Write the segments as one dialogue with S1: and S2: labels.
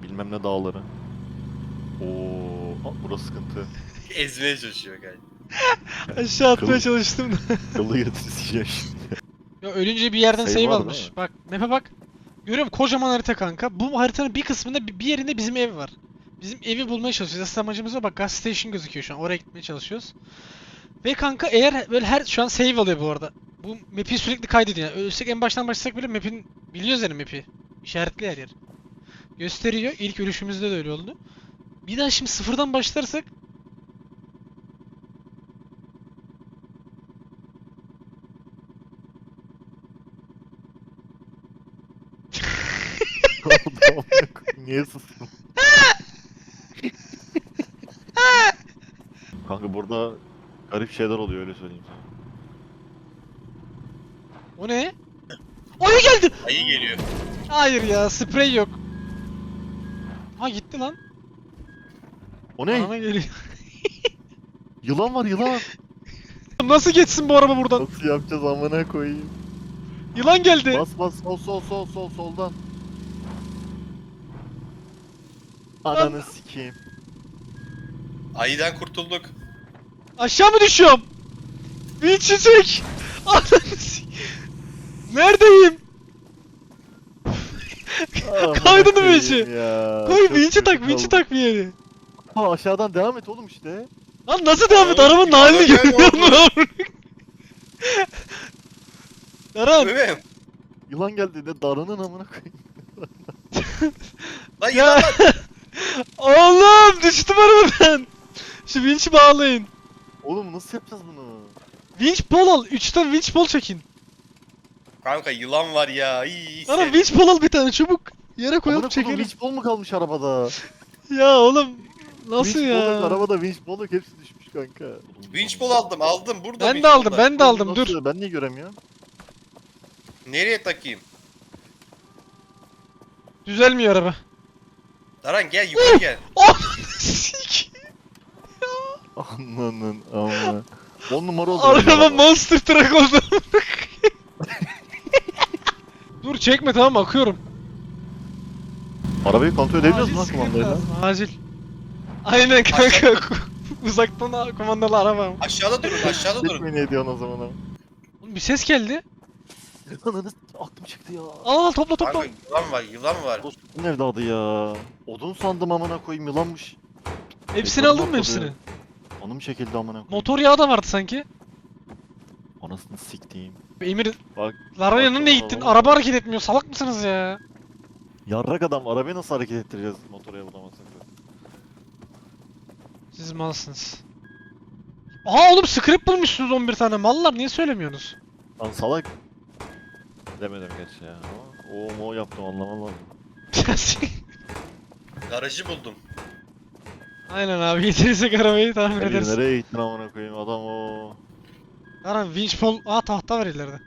S1: bilmem ne dağları. Oo, burası sıkıntı.
S2: Ezmeye çalışıyor galiba.
S3: Aşağı atmaya
S1: Kıl-
S3: çalıştım da.
S1: Kılı yetişeceğim şimdi.
S3: Ya ölünce bir yerden
S1: Save
S3: save
S1: var
S3: almış.
S1: değil mi?
S3: Bak map'e bak. Görüyorum kocaman harita kanka. Bu haritanın bir kısmında bir yerinde bizim ev var. Bizim evi bulmaya çalışıyoruz. Asıl amacımız o. Bak gas station gözüküyor şu an. Oraya gitmeye çalışıyoruz. Ve kanka eğer böyle her şu an save alıyor bu arada. Bu map'i sürekli kaydediyor. Yani ölsek en baştan başlasak bile map'in biliyoruz yani map'i. İşaretli her yer. Gösteriyor. İlk ölüşümüzde de öyle oldu. Bir daha şimdi sıfırdan başlarsak
S1: Niye sustun? Kanka burada garip şeyler oluyor öyle söyleyeyim sana.
S3: o ne? Ayı geldi.
S2: Ayı geliyor.
S3: Hayır ya, sprey yok. Ha gitti lan.
S1: O ne?
S3: Bana geliyor.
S1: Yılan var yılan.
S3: Nasıl geçsin bu araba buradan?
S1: Nasıl yapacağız amına koyayım?
S3: Yılan geldi.
S1: Bas bas sol soldan. Ananı sikeyim.
S2: Ayıdan kurtulduk.
S3: Aşağı mı düşüyorum? Bir çiçek. Ananı s- Neredeyim? Kaydını mı işi? Koy vinçi tak, vinçi tak bir yere.
S1: Ha aşağıdan devam et oğlum işte.
S3: Lan nasıl devam et?
S2: Oğlum,
S3: Arabanın
S2: bir
S3: halini
S2: araba
S3: görüyor musun? Daran.
S2: Bebeğim.
S1: Yılan geldi de darının amına koyayım.
S2: Lan
S3: Ya.
S2: yılan lan.
S3: Oğlum düştüm arabadan. Şu vinçi bağlayın.
S1: Oğlum nasıl yapacağız bunu?
S3: Vinç bol al. 3 tane vinç bol çekin.
S2: Kanka yılan var ya. İyi
S3: Daran vinç bol al bir tane çabuk. Yere koyalım
S1: Amına koyayım
S3: çekelim.
S1: winch bol mu kalmış arabada?
S3: Ya oğlum. Nasıl
S1: Winch bol yok,
S3: ya?
S1: arabada winch bol yok hepsi düşmüş kanka.
S2: Winch bol aldım. Burada
S3: Ben
S2: winch
S3: de aldım,
S2: bol var.
S3: ben de aldım.
S1: Nasıl?
S3: Dur.
S1: Ben niye göremiyorum?
S2: Nereye takayım?
S3: Düzelmiyor araba.
S2: Daran gel yukarı gel.
S3: Sik.
S1: Ananın ama. 10 numara oldu.
S3: Araba monster truck oldu. Dur çekme, tamam akıyorum.
S1: Arabayı kontrol edebiliyoruz mu lan
S3: sıkıntı
S1: kumandayla?
S3: lazım, acil. Aynen kanka. Uzaktan kumandalı araba.
S2: Aşağıda durun.
S1: Gitmeyi ne ediyorsun o zaman ama?
S3: Oğlum bir ses geldi.
S1: Ananı aklım çıktı ya.
S3: Al topla topla.
S2: Kanka yılan var.
S1: Dostum evladı ya. Odun sandım amına koyayım yılanmış.
S3: Hepsini
S1: Ekranı
S3: aldın mı
S1: patladı.
S3: hepsini?
S1: Anım çekildi amına koyayım.
S3: Motor yağı da vardı sanki.
S1: Anasını siktiğim.
S3: Emir,
S1: Bak.
S3: Lara yanına niye
S1: bak,
S3: gittin?
S1: bak.
S3: Araba hareket etmiyor. Salak mısınız ya?
S1: Yarrak adam arabayı nasıl hareket ettireceğiz motora bulamazsak?
S3: Siz malsınız. Aha oğlum script bulmuşsunuz 11 tane. Mallar niye söylemiyorsunuz?
S1: Lan salak. Demedim geç ya. Ama o yaptım anlamam lazım.
S2: Garajı buldum.
S3: Aynen abi, getirirsek arabayı tahmin
S1: Emir
S3: ederiz.
S1: nereye gittin amına koyayım adam o.
S3: Aram winch pol... Aa tahta var ileride.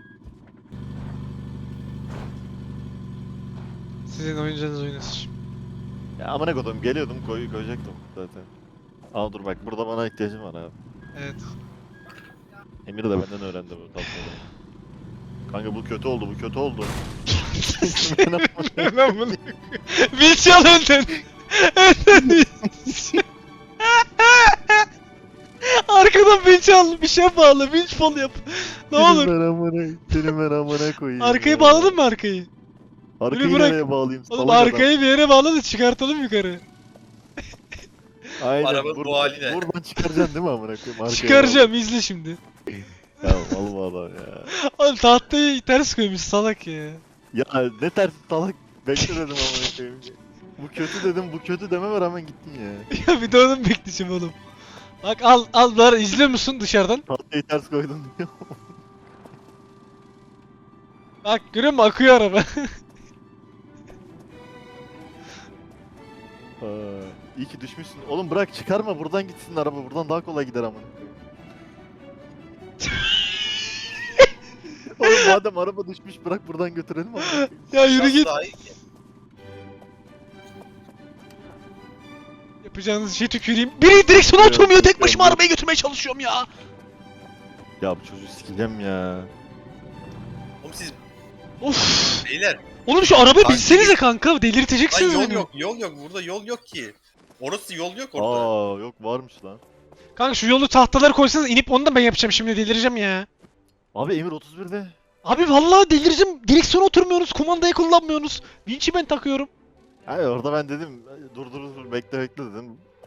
S3: Sizin oyuncağınız oynasın.
S1: Ya amına koydum geliyordum koyacaktım zaten. Aa dur bak burada bana ihtiyacım var abi.
S3: Evet.
S1: Emir de benden öğrendi bu tatlıları. Kanka bu kötü oldu bu kötü oldu.
S3: Ben bunu... Winch al önden. Önden winch. Arkadan winch al. Bir şey bağla. Winch pol yap. Ne olur.
S1: Seni ben amına koyayım.
S3: Arkayı
S1: ya.
S3: bağladın mı arkayı?
S1: Arkayı
S3: Bunu bırak.
S1: nereye bağlayayım?
S3: Oğlum
S1: Salak adam.
S3: arkayı bir yere bağla da çıkartalım yukarı.
S1: Aynen.
S2: Arabanın bu hali ne?
S1: Buradan çıkaracaksın değil mi amına koyayım? Arkaya
S3: Çıkaracağım, izle şimdi.
S1: bağla. Ya alma adam ya.
S3: Oğlum tahtayı ters koymuş salak ya.
S1: Ya ne ters salak bekle dedim amına koyayım. Bu kötü dedim bu kötü dememe rağmen gittin ya.
S3: Ya bir de onu mu bekleyeceğim oğlum? Bak al Lara, izliyor musun dışarıdan?
S1: Tahtayı ters koydun diyor.
S3: Bak görüyor musun, akıyor araba.
S1: İyi ki düşmüşsün. Oğlum bırak çıkarma buradan gitsin araba. Buradan daha kolay gider amına koyayım. Oğlum madem araba düşmüş bırak buradan götürelim amına koyayım.
S3: Ya yürü
S2: Şurası
S3: git.
S2: daha iyi ki.
S3: Yapacağınız şey tüküreyim. Biri direksiyona
S1: Evet,
S3: oturmuyor, tek
S1: ya
S3: başıma
S1: bu-
S3: arabayı götürmeye çalışıyorum ya.
S1: Ya bu çocuğu sikeceğim ya.
S2: Oğlum siz
S3: Of.
S2: beyler
S3: Oğlum şu arabaya
S2: Kanka,
S3: binsenize kanka.
S2: Lan
S3: Delirteceksiniz
S2: yol
S3: beni.
S2: yok, yol yok. Burada yol yok ki. Orası yol yok orada.
S1: Aa yok varmış lan.
S3: Kanka şu yolu tahtaları koysanız inip onu da ben yapacağım şimdi delireceğim ya.
S1: Abi Emir 31'de.
S3: Abi vallahi delireceğim. Direksiyona oturmuyorsunuz, kumandayı kullanmıyorsunuz. Vinç'i ben takıyorum.
S1: Hayır orada ben dedim dur bekle dedim.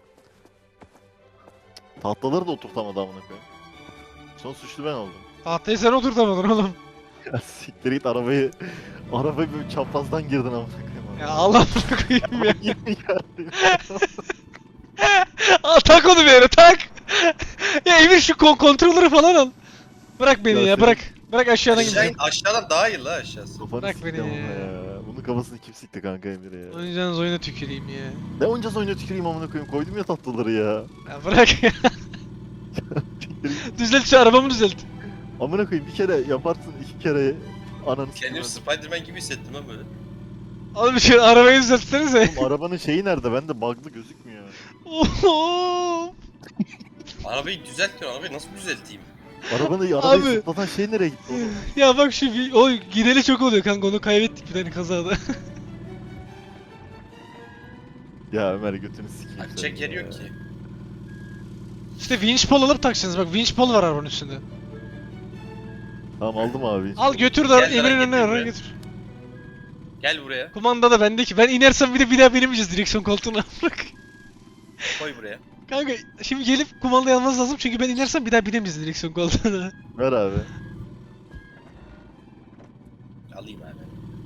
S1: Tahtaları da oturtamadı amına koyayım. Son suçlu ben oldum.
S3: Tahtayı sen oturtamadın oğlum.
S1: Ya siktir git arabayı böyle çaprazdan girdin amına koyayım.
S3: Ya Allah'ını koyayım ya.
S1: Yine geldi.
S3: Aa, tak onu bir yere tak. Ya Emir şu kontrolleri falan al. Bırak beni
S1: Ya
S3: ya
S1: senin-
S3: bırak. Bırak aşağıdan
S2: Aşağı,
S3: gideceğim.
S2: aşağıdan daha iyi la aşağısı.
S1: Kafanı
S3: Bırak
S1: sikti
S3: beni
S1: amına
S3: ya.
S1: ya. Bunun kafasını kim sikti kanka Emir'e ya.
S3: Oynayacağınız oyuna tüküreyim ya.
S1: Ne oynayacağız oyuna tüküreyim amına koyayım koydum ya tatlıları ya.
S3: Ya bırak ya. Düzelt şu arabamı düzelt.
S1: Amına koyayım bir kere yaparsın iki kere ananı
S2: Kendimi
S1: sikeyim.
S2: Spiderman gibi hissettim ha böyle.
S3: Oğlum şu arabayı düzeltsenize.
S1: Oğlum arabanın şeyi nerede? Bende bug'lı gözükmüyor.
S3: Oğlum.
S2: Arabayı düzeltmiyor. Arabayı nasıl düzelteyim?
S1: Arabayı
S3: Abi.
S1: zıplatan şey nereye gitti oğlum?
S3: Ya bak şu o gideli çok oluyor kanka onu kaybettik bir tane kazada.
S1: Ya Ömer götünü sikeyim
S2: Açacak
S1: senin
S2: yer
S1: ya.
S2: yok ki.
S3: İşte winch pole alıp takacaksınız bak winch pole var arabanın üstünde.
S1: Tamam aldım abi.
S3: Al götür
S2: Gel
S3: da
S2: lan,
S3: Emir'in
S2: getir
S3: önüne
S2: buraya.
S3: oraya götür.
S2: Gel buraya.
S3: Kumanda da bende ki ben inersem bir daha binemeyeceğiz direksiyon koltuğuna. Bırak.
S2: Koy buraya.
S3: Kanka şimdi gelip kumandayı almanız lazım çünkü ben inersem bir daha binemeyeceğiz direksiyon koltuğuna.
S1: Ver abi.
S2: Alayım abi.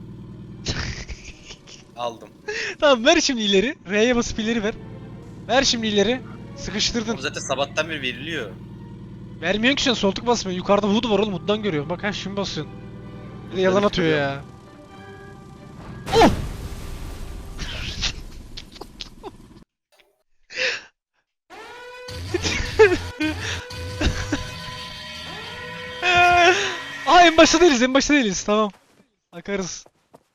S2: Aldım.
S3: Tamam ver şimdi ileri. R'ye basıp ileri ver. Ver şimdi ileri. Sıkıştırdın.
S2: Oğlum zaten sabahtan beri veriliyor.
S3: Vermiyorsun ki şu an soltuk basmıyor. Yukarıda HUD var oğlum HUD'dan görüyorum. Bak ha şimdi basıyorsun. Bir de yalan
S1: Evet,
S3: atıyor
S1: görüyorum.
S3: ya. Oh! Aa en başta değiliz tamam. Akarız.